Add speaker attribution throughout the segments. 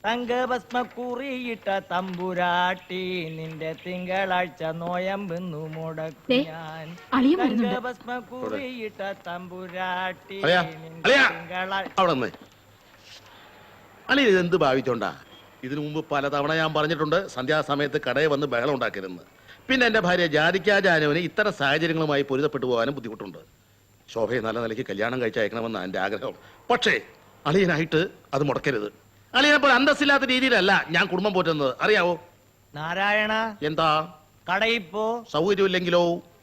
Speaker 1: തങ്കഭസ്മക്കുറിയിട്ട തമ്പുരാട്ടി നിന്റെ തിങ്കളാഴ്ച നോയമ്പെന്നു മുടക്കും ഞാൻ. തങ്കഭസ്മക്കുറിയിട്ട തമ്പുരാട്ടി
Speaker 2: അളി ഇതെന്ത് ഭാവിച്ചോണ്ടാ? ഇതിനു മുമ്പ് പലതവണ ഞാൻ പറഞ്ഞിട്ടുണ്ട് സന്ധ്യാസമയത്ത് കടയിൽ വന്ന് ബഹളം ഉണ്ടാക്കരുതെന്ന്. പിന്നെ എന്റെ ഭാര്യ ജാതിക്കാജാനുവിന് ഇത്തരം സാഹചര്യങ്ങളുമായി പൊരുത്തപ്പെട്ടു പോകാനും ബുദ്ധിമുട്ടുണ്ട്. ശോഭയെ നല്ല നിലയ്ക്ക് കല്യാണം കഴിച്ചയക്കണമെന്ന് എന്റെ ആഗ്രഹം. പക്ഷേ അളിയനായിട്ട് അത് മുടക്കരുത്. അളിയനെപ്പോൾ അന്തസ്സില്ലാത്ത രീതിയിലല്ല ഞാൻ കുടുംബം പോറ്റുന്നത്, അറിയാവോ?
Speaker 1: നാരായണ,
Speaker 2: എന്താ
Speaker 1: കടയിൽ പോ.
Speaker 2: സൗകര്യമില്ലെങ്കിലോ?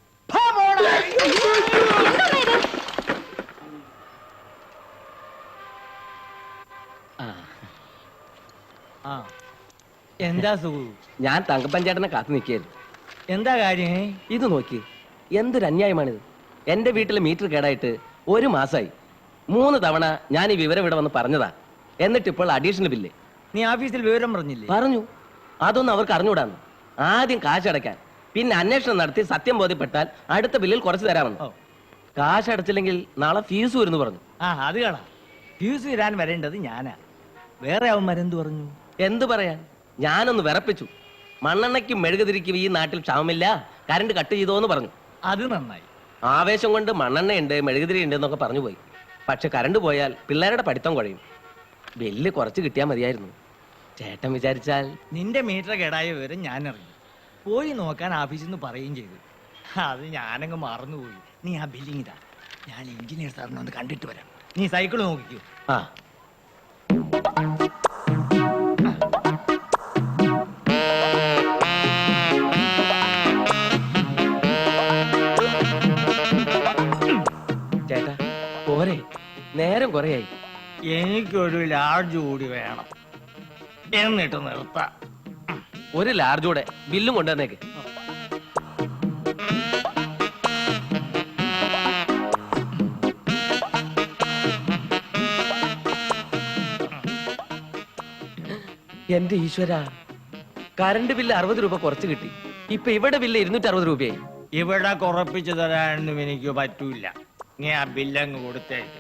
Speaker 1: എന്താ സുഖു?
Speaker 3: ഞാൻ തങ്കപ്പഞ്ചേട്ടനെ കാത്തു നിൽക്കുകയായിരുന്നു.
Speaker 1: എന്താ കാര്യം?
Speaker 3: ഇത് നോക്കി, എന്തൊരു അന്യായമാണിത്. എന്റെ വീട്ടിലെ മീറ്റർ കേടായിട്ട് 1 മാസമായി. 3 തവണ ഞാൻ ഈ വിവരം ഇവിടെ വന്ന് പറഞ്ഞതാ. എന്നിട്ട് ഇപ്പോൾ അഡീഷണൽ ബില്ല്.
Speaker 1: നീ ഓഫീസിൽ വിവരം പറഞ്ഞില്ലേ?
Speaker 3: പറഞ്ഞു. അതൊന്നും അവർക്ക് അറിഞ്ഞൂടാന്ന്. ആദ്യം കാശടയ്ക്കാൻ, പിന്നെ അന്വേഷണം നടത്തി സത്യം ബോധ്യപ്പെട്ടാൽ അടുത്ത ബില്ലിൽ കുറച്ച് തരാമെന്ന്. കാശ് അടച്ചില്ലെങ്കിൽ നാളെ ഫീസ് വരുന്നു പറഞ്ഞു.
Speaker 1: അത് കാണാ. ഫീസ് തരാൻ വരേണ്ടത് ഞാനാ. വേറെ അവന്മാരെന്ത് പറഞ്ഞു?
Speaker 3: എന്തു പറയാൻ, ഞാനൊന്ന് വിറപ്പിച്ചു. മണ്ണെണ്ണയ്ക്കും മെഴുകുതിരിക്കും ഈ നാട്ടിൽ ക്ഷാമമില്ല, കറണ്ട് കട്ട് ചെയ്തോന്ന് പറഞ്ഞു.
Speaker 1: അത് നന്നായി.
Speaker 3: ആവേശം കൊണ്ട് മണ്ണെണ്ണയുണ്ട് മെഴുകുതിരി ഉണ്ട് എന്നൊക്കെ പറഞ്ഞു പോയി. പക്ഷെ കറണ്ട് പോയാൽ പിള്ളേരുടെ പഠിത്തം കുഴയും. ബില്ല് കുറച്ച് കിട്ടിയാൽ മതിയായിരുന്നു. ചേട്ടൻ വിചാരിച്ചാൽ.
Speaker 1: നിന്റെ മീറ്റർ കേടായ വിവരം ഞാൻ അറിഞ്ഞു. പോയി നോക്കാൻ ഓഫീസിൽ നിന്ന് പറയുകയും ചെയ്തു. അത് ഞാനങ്ങ് മറന്നുപോയി. നീ ആ ബില്ലിങ് ഇതാ, ഞാൻ എഞ്ചിനീയർ സാറിനെ ഒന്ന് കണ്ടിട്ട് വരാം. നീ സൈക്കിൾ നോക്കിക്കോ.
Speaker 3: ചേട്ടാ പോരെ, നേരം കുറയായി.
Speaker 1: എനിക്കൊരു ലാർജ് കൂടി വേണം, എന്നിട്ട് നിർത്താം.
Speaker 3: ഒരു ലാർജൂടെ ബില്ലും കൊണ്ടുവന്നേക്ക്. എന്റെ ഈശ്വര, കറണ്ട് ബില്ല് 60 രൂപ കുറച്ച് കിട്ടി. ഇപ്പൊ ഇവിടെ ബില്ല് 260 രൂപയായി.
Speaker 1: ഇവിടെ കുറപ്പിച്ചു തരാനൊന്നും എനിക്ക് പറ്റൂല. നീ ആ ബില്ലങ്ങ് കൊടുത്തേക്ക്.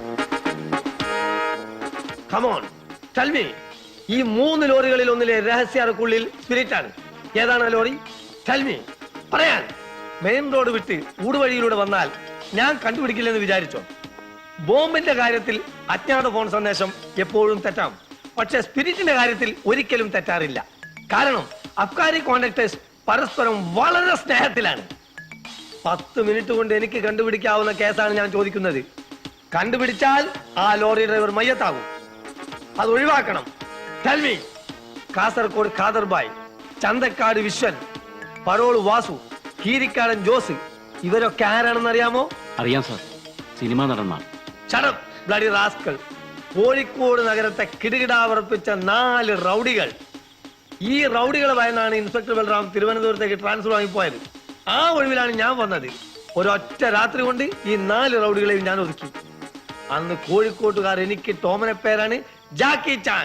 Speaker 4: ഈ 3 ലോറികളിൽ ഒന്നിലെ രഹസ്യാർക്കുള്ളിൽ സ്പിരിറ്റ് ആണ്. ഏതാണ് ആ ലോറി? പറയാൻ. മെയിൻ റോഡ് വിട്ട് ഊടുവഴിയിലൂടെ വന്നാൽ ഞാൻ കണ്ടുപിടിക്കില്ലെന്ന് വിചാരിച്ചോ? ബോംബിന്റെ കാര്യത്തിൽ അജ്ഞാത ഫോൺ സന്ദേശം എപ്പോഴും തെറ്റാം. പക്ഷെ സ്പിരിറ്റിന്റെ കാര്യത്തിൽ ഒരിക്കലും തെറ്റാറില്ല. കാരണം അബ്കാരി കോൺട്രാക്ടേഴ്സ് പരസ്പരം വളരെ സ്നേഹത്തിലാണ്. 10 മിനിറ്റ് കൊണ്ട് എനിക്ക് കണ്ടുപിടിക്കാവുന്ന കേസാണ് ഞാൻ ചോദിക്കുന്നത്. കണ്ടുപിടിച്ചാൽ ആ ലോറി ഡ്രൈവർ മയ്യത്താകും. അത് ഒഴിവാക്കണം. കാസർഗോഡ് ഖാദർബായ്, ചന്തക്കാട് വിശ്വൻ, പരോള് വാസു, കീരിക്കാടൻ ജോസ്, ഇവരൊക്കെ ആരാണെന്ന് അറിയാമോ?
Speaker 5: അറിയാം സാർ, സിനിമാ നടന്മാർ.
Speaker 4: Bloody rascal. കോഴിക്കോട് നഗരത്തെ കിടുകിടാവർപ്പിച്ച 4 റൗഡികൾ. ഈ റൗഡികളെ ഭയന്നാണ് ഇൻസ്പെക്ടർ ബൽറാം തിരുവനന്തപുരത്തേക്ക് ട്രാൻസ്ഫർ വാങ്ങിപ്പോയത്. ആ ഒഴിവിലാണ് ഞാൻ വന്നത്. ഒരൊറ്റ രാത്രി കൊണ്ട് ഈ 4 റൗഡികളെയും ഞാൻ ഒതുക്കി. അന്ന് കോഴിക്കോട്ടുകാർ എനിക്ക് ടോമനെ പേരാണ് Jackie Chan.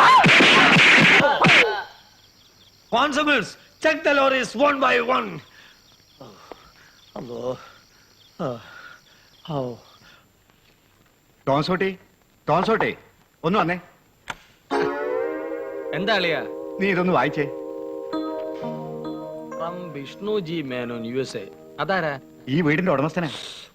Speaker 4: Constables, check the lorries one by one.
Speaker 6: ടോൺസോട്ടെ ഒന്ന് വന്നേ.
Speaker 3: എന്താ അളിയാ?
Speaker 6: നീ ഇതൊന്ന് വായിച്ചേ.
Speaker 3: From Vishnu G Menon, USA. അതാരാ?
Speaker 6: ഈ വീടിന്റെ ഉടമസ്ഥനാ.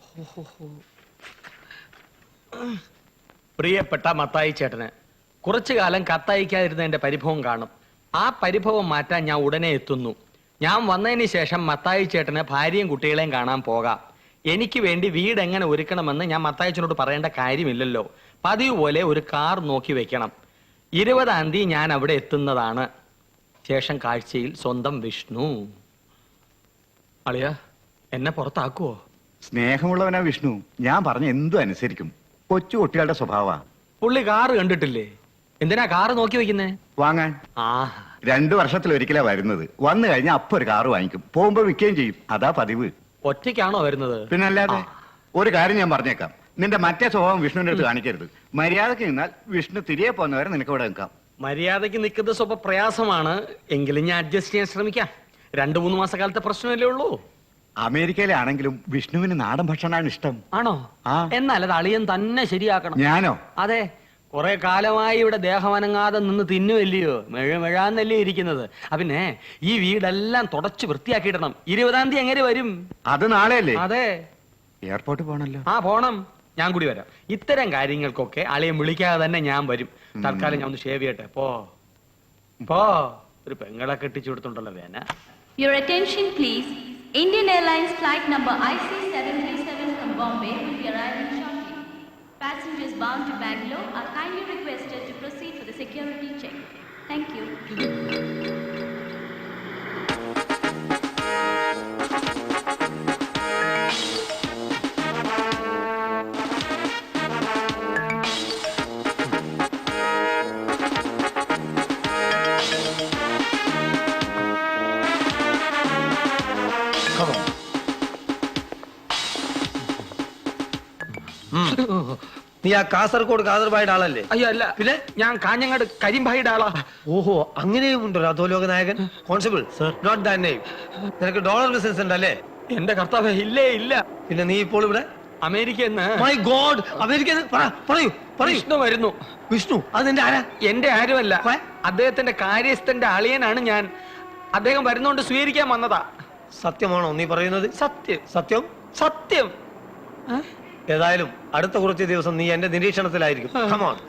Speaker 3: പ്രിയപ്പെട്ട മത്തായി ചേട്ടന് കുറച്ചു കാലം കത്തയക്കാതിരുന്നതിന്റെ പരിഭവം കാണും. ആ പരിഭവം മാറ്റാൻ ഞാൻ ഉടനെ എത്തുന്നു. ഞാൻ വന്നതിന് ശേഷം മത്തായി ചേട്ടന് ഭാര്യയും കുട്ടികളെയും കാണാൻ പോകാം. എനിക്ക് വേണ്ടി വീട് എങ്ങനെ ഒരുക്കണമെന്ന് ഞാൻ മത്തായിച്ചനോട് പറയേണ്ട കാര്യമില്ലല്ലോ. പതിവ് പോലെ ഒരു കാർ നോക്കി വെക്കണം. 20-ാം തീയതി ഞാൻ അവിടെ എത്തുന്നതാണ്. ശേഷം കാഴ്ചയിൽ സ്വന്തം വിഷ്ണു. അളിയ, എന്നെ പുറത്താക്കുവോ?
Speaker 6: സ്നേഹമുള്ളവനാ വിഷ്ണു. ഞാൻ പറഞ്ഞ എന്തും അനുസരിക്കും. കൊച്ചു കുട്ടികളുടെ സ്വഭാവ.
Speaker 3: പുള്ളി കാറ് കണ്ടിട്ടില്ലേ? എന്തിനാ കാറ് നോക്കി വെക്കുന്നേ?
Speaker 6: വാങ്ങാൻ. 2 വർഷത്തിലൊരിക്കലാ വരുന്നത്. വന്നു കഴിഞ്ഞാൽ അപ്പൊ ഒരു കാറ് വാങ്ങിക്കും. പോകുമ്പോ വിൽക്കുകയും ചെയ്യും. അതാ പതിവ്.
Speaker 3: ഒറ്റയ്ക്കാണോ വരുന്നത്?
Speaker 6: പിന്നല്ലാതെ. ഒരു കാര്യം ഞാൻ പറഞ്ഞേക്കാം, നിന്റെ മറ്റേ സ്വഭാവം വിഷ്ണുവിന്റെ അടുത്ത് കാണിക്കരുത്. മര്യാദക്ക് നിന്നാൽ വിഷ്ണു തിരികെ പോകുന്നവരെ നിനക്ക് ഇവിടെ നിൽക്കാം.
Speaker 3: മര്യാദക്ക് നിൽക്കുന്നത് സ്വപ്പ പ്രയാസമാണ്. എങ്കിലും ഞാൻ അഡ്ജസ്റ്റ് ചെയ്യാൻ ശ്രമിക്കാം. 2-3 മാസക്കാലത്തെ പ്രശ്നമല്ലേ ഉള്ളൂ.
Speaker 6: അമേരിക്കയിലാണെങ്കിലും വിഷ്ണുവിന് നാടൻ ഭക്ഷണമാണ് ഇഷ്ടം.
Speaker 3: ആണോ? എന്നാൽ അത് അളിയൻ തന്നെ ശരിയാക്കണം.
Speaker 6: ഞാനോ?
Speaker 3: അതെ. കുറെ കാലമായി ഇവിടെ ദേഹമനങ്ങാതെ നിന്ന് തിന്നുവല്ലയോ, മെഴാന്നല്ലേ ഇരിക്കുന്നത്. പിന്നെ ഈ വീടെല്ലാം തുടച്ച് വൃത്തിയാക്കിയിടണം. 20-ാം തീയതി എങ്ങനെ വരും?
Speaker 6: അത് നാളെയല്ലേ?
Speaker 3: അതെ,
Speaker 6: എയർപോർട്ട് പോകണല്ലോ.
Speaker 3: ആ പോണം. ഞാൻ കൂടി വരാം. ഇത്തരം കാര്യങ്ങൾക്കൊക്കെ അളിയെ വിളിക്കാതെ തന്നെ ഞാൻ വരും. തൽക്കാലം ഞാൻ ഒന്ന് ഷേവ് ചെയ്യട്ടെ. പോ ഒരു പെങ്ങളെ കെട്ടിച്ചു കൊടുത്തുണ്ടല്ലോ വേന.
Speaker 7: Your attention please. Indian Airlines flight number IC737 from Bombay will be arriving shortly. Passengers bound to Bangalore are kindly requested to proceed for the security check. Thank you.
Speaker 4: നീ ആ കാസർഗോഡ് കാദർബായുടെ ആളല്ലേ?
Speaker 3: അയ്യോ അല്ല,
Speaker 4: പിന്നെ
Speaker 3: ഞാൻ കാഞ്ഞങ്ങാട് കരിമ്പായിയുടെ ആളാ.
Speaker 4: ഓഹോ, അങ്ങനെയും ഉണ്ടോ അധോലോക നായകൻ? Constable note that name. നിനക്ക് ഡോളർ ബിസിനസ് ഉണ്ടല്ലേ?
Speaker 3: എന്റെ കർത്താവേ, ഇല്ലേ ഇല്ല.
Speaker 4: പിന്നെ നീ ഇപ്പോൾ ഇവിടെ?
Speaker 3: അമേരിക്കന്ന്.
Speaker 4: മൈ ഗോഡ്, അമേരിക്ക പറയൂ.
Speaker 3: വിഷ്ണു വരുന്നു.
Speaker 4: വിഷ്ണു? അത് നിന്റെ ആരാ?
Speaker 3: എന്റെ ആരുമല്ല, അദ്ദേഹത്തിന്റെ കാര്യസ്ഥന്റെ അളിയനാണ് ഞാൻ. അദ്ദേഹം വരുന്നോണ്ട് സ്വീകരിക്കാൻ വന്നതാ.
Speaker 4: സത്യമാണോ നീ പറയുന്നത്?
Speaker 3: സത്യം
Speaker 4: സത്യം
Speaker 3: സത്യം.
Speaker 4: ഏതായാലും അടുത്ത കുറച്ച് ദിവസം നീ എന്റെ നിരീക്ഷണത്തിലായിരിക്കും. Come on.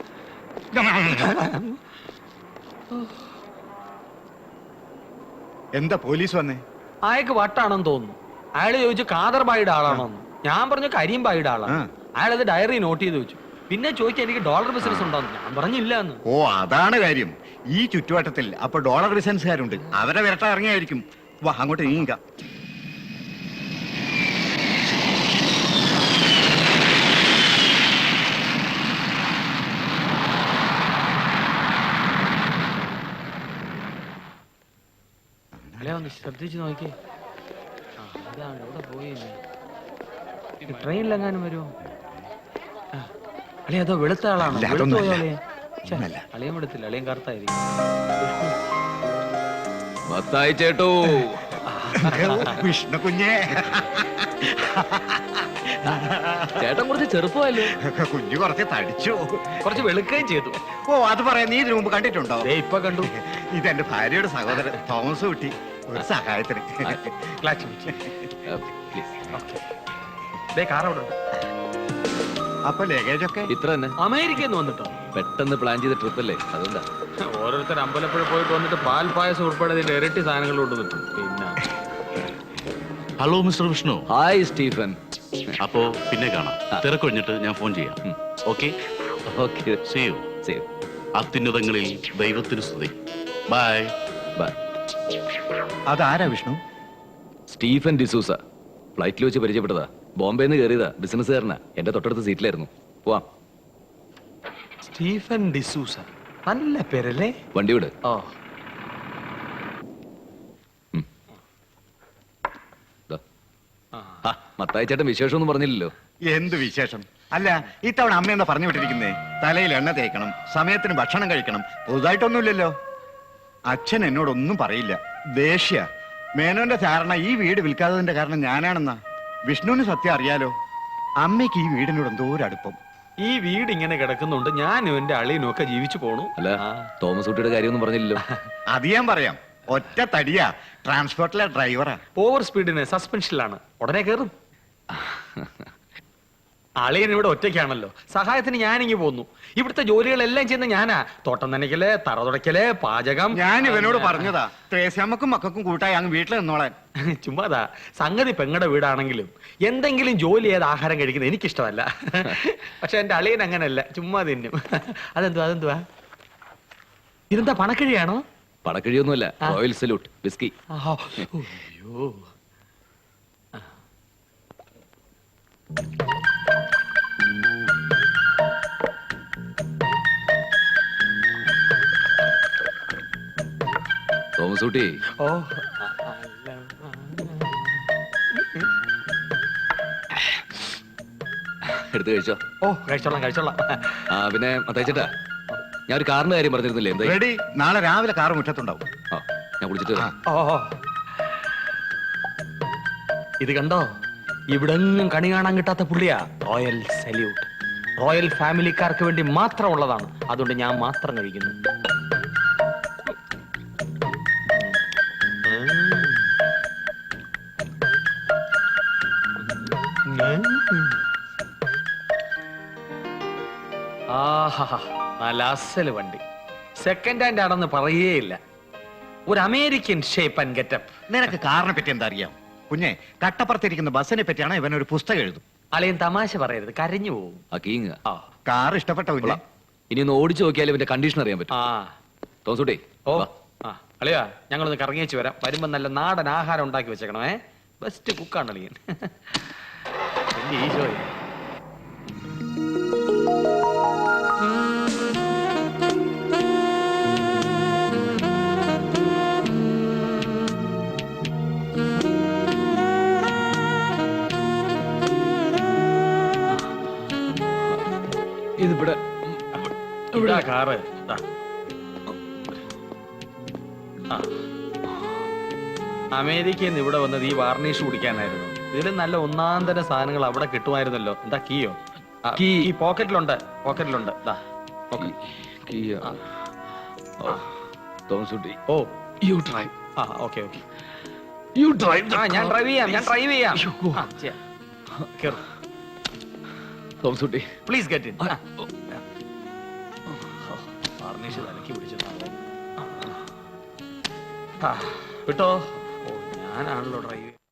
Speaker 6: എന്താ പോലീസ് വന്നേ?
Speaker 3: അയാൾക്ക് വട്ടാണെന്ന് തോന്നുന്നു. അയാൾ ചോദിച്ചു കാദർബായിയുടെ ആളാണോന്ന്. ഞാൻ പറഞ്ഞു കരിമ്പായിയുടെ ആളാണ്. അയാളത് ഡയറി നോട്ട് ചെയ്ത് വെച്ചു. പിന്നെ ചോദിച്ചാൽ എനിക്ക് ഡോളർ ബിസിനസ് ഉണ്ടോന്ന്. ഞാൻ പറഞ്ഞില്ല എന്ന്.
Speaker 6: ഓ, അതാണ് കാര്യം. ഈ ചുറ്റുവട്ടത്തിൽ അപ്പൊ ഡോളർ ബിസിനസ്സുകാരുണ്ട്. അവരെ വിരട്ട ഇറങ്ങിയായിരിക്കും. വാ, അങ്ങോട്ട് നീങ്ങ.
Speaker 3: ഒന്ന് ശ്രദ്ധിച്ചു നോക്കി. അതാണ് ഇവിടെ പോയി. ട്രെയിനിലെങ്ങാനും വരുമോ? അളിയ അതോ വെളുത്ത ആളാണോ?
Speaker 6: ഇല്ല,
Speaker 3: വെളുത്തു
Speaker 6: അതൊന്നുമല്ല.
Speaker 3: പോയോ അളിയൻ? ഛെ,
Speaker 6: ഒന്നുമല്ല.
Speaker 3: അളിയൻ വെളുത്തില്ല, അളിയൻ കറുത്തായിരിക്കും.
Speaker 5: മത്തായി ചേട്ടോ,
Speaker 6: വിഷ്ണു കുഞ്ഞേ.
Speaker 5: ചേട്ടൻ കുറച്ച് ചെറുപ്പമല്ലോ.
Speaker 6: കുഞ്ഞു കുറച്ച് തടിച്ചു.
Speaker 3: കുറച്ച് വെളുക്കുകയും ചെയ്തു.
Speaker 6: ഓ, അത് പറയാൻ നീ ഇതിനു മുമ്പ് കണ്ടിട്ടുണ്ടോ?
Speaker 3: ദേ ഇപ്പൊ കണ്ടു.
Speaker 6: ഇതെന്റെ ഭാര്യയുടെ സഹോദരൻ തോമസ് കുട്ടി. ഒരു സഹായത്തിന്.
Speaker 3: ക്ലാച്ച് പിടിച്ച്. ദേ കാർ അവിടെ ഉണ്ട്.
Speaker 6: അപ്പൊ ലഗേജ് ഒക്കെ
Speaker 5: ഇത്ര തന്നെ.
Speaker 3: അമേരിക്കയിൽ നിന്ന് വന്നിട്ടോ?
Speaker 5: പെട്ടെന്ന് പ്ലാൻ ചെയ്ത ട്രിപ്പ് അല്ലേ, അതുകൊണ്ടാ.
Speaker 3: ഓരോരുത്തർ അമ്പലപ്പുഴ പോയിട്ട് വന്നിട്ട് പാൽ പായസം ഉൾപ്പെടെ ഇതിന്റെ ഇരട്ടി സാധനങ്ങൾ കൊണ്ടുവന്നിട്ടു. പിന്നെ
Speaker 8: hello mister Vishnu.
Speaker 5: Hi Stephen.
Speaker 8: അപ്പോ പിന്നെ കാണാം. തിരക്കൊഴിഞ്ഞിട്ട് ഞാൻ ഫോൺ ചെയ്യാം. Okay
Speaker 5: okay,
Speaker 8: see you.
Speaker 5: See you.
Speaker 8: അത്യുന്നതങ്ങളിൽ ദൈവത്തിന് സ്തുതി. ബൈ.
Speaker 5: ബൈ.
Speaker 6: അതാരാ വിഷ്ണു?
Speaker 5: സ്റ്റീഫൻ ഡിസൂസ. ഫ്ലൈറ്റിൽ വെച്ച് പരിചയപ്പെട്ടതാ. ബോംബെന്ന് കയറിയതാ. ബിസിനസ്സുകാരനാ. എന്റെ തൊട്ടടുത്ത സീറ്റിലായിരുന്നു. പോവാം.
Speaker 3: സ്റ്റീഫൻ ഡിസൂസ, നല്ല പേരല്ലേ?
Speaker 5: വണ്ടി വിട്.
Speaker 3: ഓ,
Speaker 5: മത്തായി ചേട്ടൻ വിശേഷമൊന്നും പറഞ്ഞില്ലല്ലോ.
Speaker 6: എന്ത് വിശേഷം? അല്ല, ഇത്തവണ അമ്മ എന്താ പറഞ്ഞു വിട്ടിരിക്കുന്നേ? തലയിൽ എണ്ണ തേക്കണം, സമയത്തിന് ഭക്ഷണം കഴിക്കണം. പുതുതായിട്ടൊന്നുമില്ലല്ലോ. അച്ഛൻ എന്നോടൊന്നും പറയില്ല. ദേഷ്യ. മേനോന്റെ ധാരണ ഈ വീട് വിൽക്കാത്തതിന്റെ കാരണം ഞാനാണെന്നാ. വിഷ്ണുവിന് സത്യം അറിയാലോ. അമ്മയ്ക്ക് ഈ വീടിനോട് എന്തോ ഒരു അടുപ്പം.
Speaker 3: ഈ വീട് ഇങ്ങനെ കിടക്കുന്നുണ്ട്. ഞാനും എന്റെ അളിയനും ഒക്കെ ജീവിച്ചു പോണു.
Speaker 5: അല്ല, തോമസ് കുട്ടിയുടെ കാര്യമൊന്നും പറഞ്ഞില്ലല്ലോ.
Speaker 6: അത് ഞാൻ പറയാം. ഒറ്റ തടിയാ. ട്രാൻസ്പോർട്ടിലെ ഡ്രൈവറാ.
Speaker 3: ഓവർ സ്പീഡിന് സസ്പെൻഷനിലാണ്. ഉടനെ കയറും. അളിയൻ ഇവിടെ ഒറ്റയ്ക്കാണല്ലോ. സഹായത്തിന് ഞാനിങ്ങി പോന്നു. ഇവിടുത്തെ ജോലികളെല്ലാം ചെയ്യുന്ന ഞാനാ. തോട്ടം നനയ്ക്കല്, തറ തുടയ്ക്കല്, പാചകം.
Speaker 6: ഞാൻ ഇവനോട് പറഞ്ഞതാ, ത്രേസ്യാമ്മക്കും മക്കൾക്കും കൂട്ടായി അങ്ങ് വീട്ടിൽ നിന്നോളാൻ.
Speaker 3: ചുമ്മാതാ. സംഗതി പെങ്ങടെ വീടാണെങ്കിലും എന്തെങ്കിലും ജോലി ചെയ്ത് ആഹാരം കഴിക്കുന്നത് എനിക്കിഷ്ടമല്ല. പക്ഷെ എന്റെ അളിയൻ അങ്ങനല്ല, ചുമ്മാ തിന്നും. അതെന്തുവാ? ഇതെന്താ, പണക്കിഴിയാണോ?
Speaker 5: പടക്കിഴിയൊന്നുമല്ല, റോയൽ സല്യൂട്ട് വിസ്കി.
Speaker 3: അയ്യോ,
Speaker 5: തോമസ് കുട്ടി,
Speaker 3: ഓ,
Speaker 5: എടുത്ത് കഴിച്ചോ.
Speaker 3: ഓ, കഴിച്ചോളാം.
Speaker 5: പിന്നെ മത്തായി ചേട്ടാ, ഞാൻ ഒരു കാറിന്റെ കാര്യം പറഞ്ഞിരുന്നില്ലേ? എന്താ?
Speaker 6: റെഡി. നാളെ രാവിലെ കാറ് മുറ്റത്തുണ്ടാവും.
Speaker 5: ആ, ഞാൻ കുളിച്ചിട്ട് വരാം.
Speaker 3: ഓ, ഇത് കണ്ടോ? ഇവിടെങ്ങും കണി കാണാൻ കിട്ടാത്ത പുള്ളിയാ. Royal salute. റോയൽ ഫാമിലിക്കാർക്ക് വേണ്ടി മാത്രം ഉള്ളതാണ്. അതുകൊണ്ട് ഞാൻ മാത്രം കഴിക്കുന്നു. ആഹാ, നല്ല അസല് വണ്ടി. സെക്കൻഡ് ഹാൻഡ് ആണെന്ന് പറയേയില്ല. ഒരു അമേരിക്കൻ ഷേപ്പ് ആൻഡ് ഗെറ്റപ്പ്.
Speaker 6: നിനക്ക് കാറിനെ പറ്റി എന്താ അറിയാം? കുഞ്ഞെ, കട്ടപ്പുറത്തിരിക്കുന്ന ബസ്സിനെ പറ്റിയാണ് ഇവൻ ഒരു പുസ്തകം എഴുതും.
Speaker 3: അളിയൻ തമാശ പറയരുത്, കരഞ്ഞു പോവും.
Speaker 5: ആ കീങ്
Speaker 3: ആ
Speaker 6: കാർ ഇഷ്ടപ്പെട്ട കുഞ്ഞെ?
Speaker 5: ഇനി ഒന്ന് ഓടിച്ചു നോക്കിയാലും ഇവന്റെ കണ്ടീഷൻ അറിയാൻ പറ്റും.
Speaker 3: ആ
Speaker 5: തോമസുട്ടി
Speaker 3: ഓ ആ അളിയാ, ഞങ്ങളൊന്ന് കറങ്ങിയേച്ച് വരാം. വരുമ്പോ നല്ല നാടൻ ആഹാരം ഉണ്ടാക്കി വെച്ചേക്കണേ. ബെസ്റ്റ് കുക്കാണ് അളിയൻ. വലിയ ഈശോയെ.
Speaker 5: ഇതിവിടെ
Speaker 3: ഇതാ കാറ്. ദാ. ആ. അമേരിക്കയിൽ നിന്ന് ഇവിടെ വന്നത് ഈ വാർണിഷ് കുടിക്കാനായിരുന്നു. ഇതിലും നല്ല ഒന്നാന്തര സാധനങ്ങൾ അവിടെ കിട്ടുമായിരുന്നല്ലോ. എന്താ കീയോ?
Speaker 5: കീ.
Speaker 3: ഈ പോക്കറ്റിലുണ്ട്. ദാ.
Speaker 5: Thomaskutty
Speaker 3: oh
Speaker 5: you drive.
Speaker 3: ആ ഓക്കെ.
Speaker 5: You drive.
Speaker 3: ഞാൻ ഡ്രൈവ് ചെയ്യാം. ആ, ചെയ്യാം. കേറ്.
Speaker 5: Thomaskutty
Speaker 3: please get in. Varnish തലക്കി പിടിച്ചതാണ്. വിട്ടോ. ഓ ഞാനാണല്ലോ ഡ്രൈവ്.